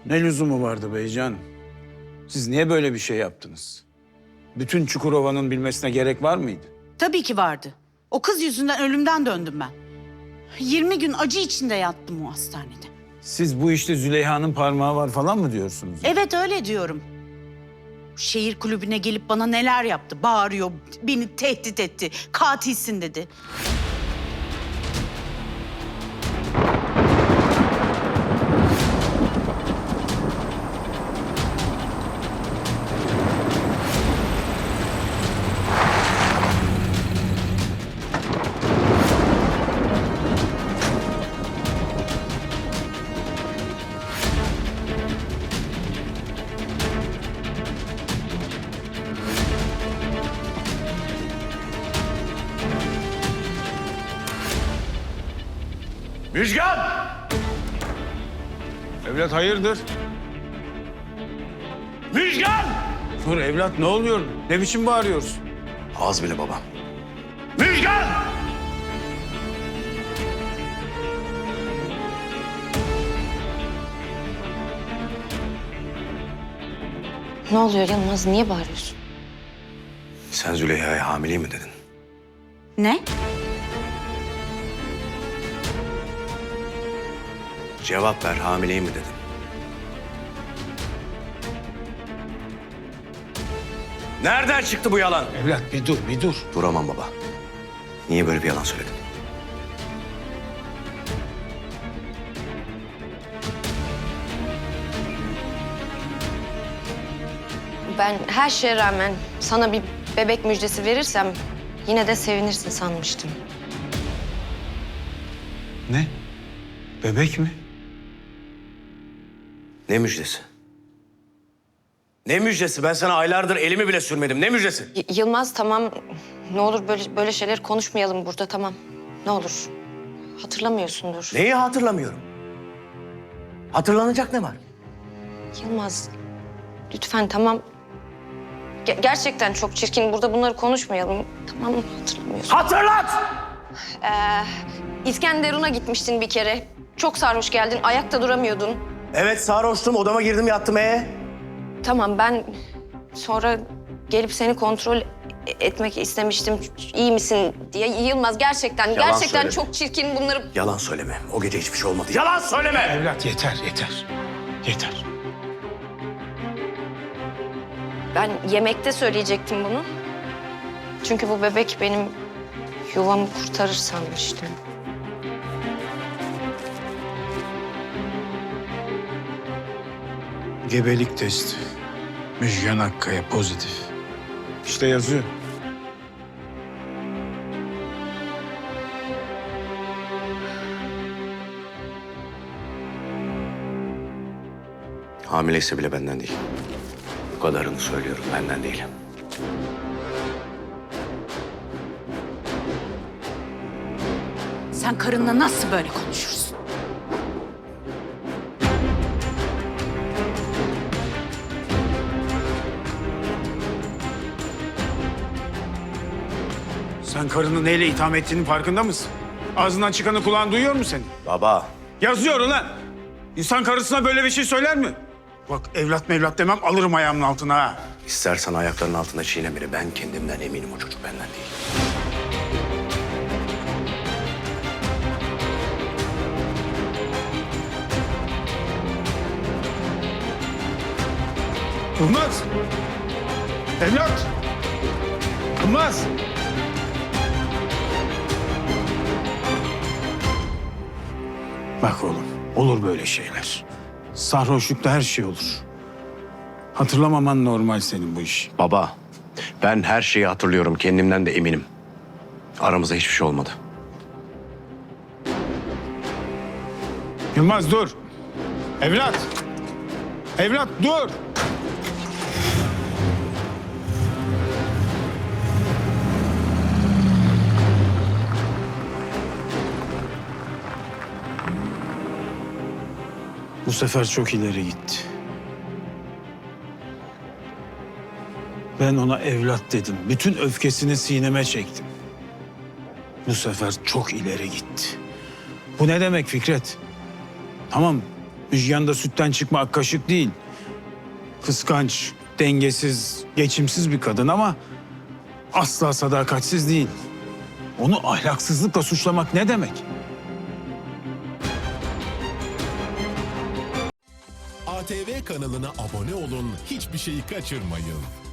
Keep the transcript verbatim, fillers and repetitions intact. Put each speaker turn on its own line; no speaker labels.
Ne lüzumu vardı beycan? Siz niye böyle bir şey yaptınız? Bütün Çukurova'nın bilmesine gerek var mıydı?
Tabii ki vardı. O kız yüzünden ölümden döndüm ben. yirmi gün acı içinde yattım o hastanede.
Siz bu işte Züleyha'nın parmağı var falan mı diyorsunuz?
Evet öyle diyorum. Şehir kulübüne gelip bana neler yaptı. Bağırıyor, beni tehdit etti. Katilsin dedi.
Müjgan!
Evlat hayırdır?
Müjgan!
Dur evlat ne oluyor? Ne biçim bağırıyorsun?
Az bile baba. Müjgan!
Ne oluyor Yılmaz? Niye bağırıyorsun?
Sen Züleyha'ya hamileyim mi dedin?
Ne?
Cevap ver, hamileyim mi dedin? Nereden çıktı bu yalan?
Evlat bir dur bir dur.
Duramam baba. Niye böyle bir yalan söyledin?
Ben her şeye rağmen sana bir bebek müjdesi verirsem yine de sevinirsin sanmıştım.
Ne? Bebek mi?
Ne müjdesi? Ne müjdesi? Ben sana aylardır elimi bile sürmedim. Ne müjdesi?
Y- Yılmaz tamam. Ne olur böyle böyle şeyler konuşmayalım burada tamam. Ne olur. Hatırlamıyorsundur.
Neyi hatırlamıyorum? Hatırlanacak ne var?
Yılmaz lütfen tamam. Ge- gerçekten çok çirkin. Burada bunları konuşmayalım. Tamam hatırlamıyorsun.
Hatırlat!
İskenderun'a gitmiştin bir kere. Çok sarhoş geldin. Ayakta duramıyordun.
Evet sarhoştum, odama girdim yattım ee.
Tamam ben sonra gelip seni kontrol e- etmek istemiştim. İyi misin diye. Yılmaz gerçekten
Yalan
gerçekten
söyleme.
çok çirkin bunları.
Yalan söyleme. O gece hiçbir şey olmadı. Yalan söyleme!
Evlat yeter yeter. Yeter.
Ben yemekte söyleyecektim bunu. Çünkü bu bebek benim yuvamı kurtarır sanmıştım.
Gebelik testi. Müjgan Akkaya pozitif. İşte yazıyor.
Hamileyse bile benden değil. Bu kadarını söylüyorum, benden değil.
Sen karınla nasıl böyle konuşursun?
Sen karını neyle itham ettiğinin farkında mısın? Ağzından çıkanı kulağın duyuyor mu senin?
Baba,
Yazıyor ulan. İnsan karısına böyle bir şey söyler mi? Bak evlat mevlat demem alırım ayağımın altına ha.
istersen ayaklarının altında çiğne beni. Ben kendimden eminim, o çocuk benden değil.
Yılmaz. Evlat. Yılmaz. Bak oğlum, olur böyle şeyler. Sarhoşlukta her şey olur. Hatırlamaman normal senin bu iş.
Baba, ben her şeyi hatırlıyorum. Kendimden de eminim. Aramızda hiçbir şey olmadı.
Yılmaz dur. Evlat. Evlat dur. Bu sefer çok ileri gitti. Ben ona evlat dedim. Bütün öfkesini sineme çektim. Bu sefer çok ileri gitti. Bu ne demek Fikret? Tamam, Müjgan da sütten çıkma ak kaşık değil. Kıskanç, dengesiz, geçimsiz bir kadın ama asla sadakatsiz değil. Onu ahlaksızlıkla suçlamak ne demek?
A T V kanalına abone olun, hiçbir şeyi kaçırmayın.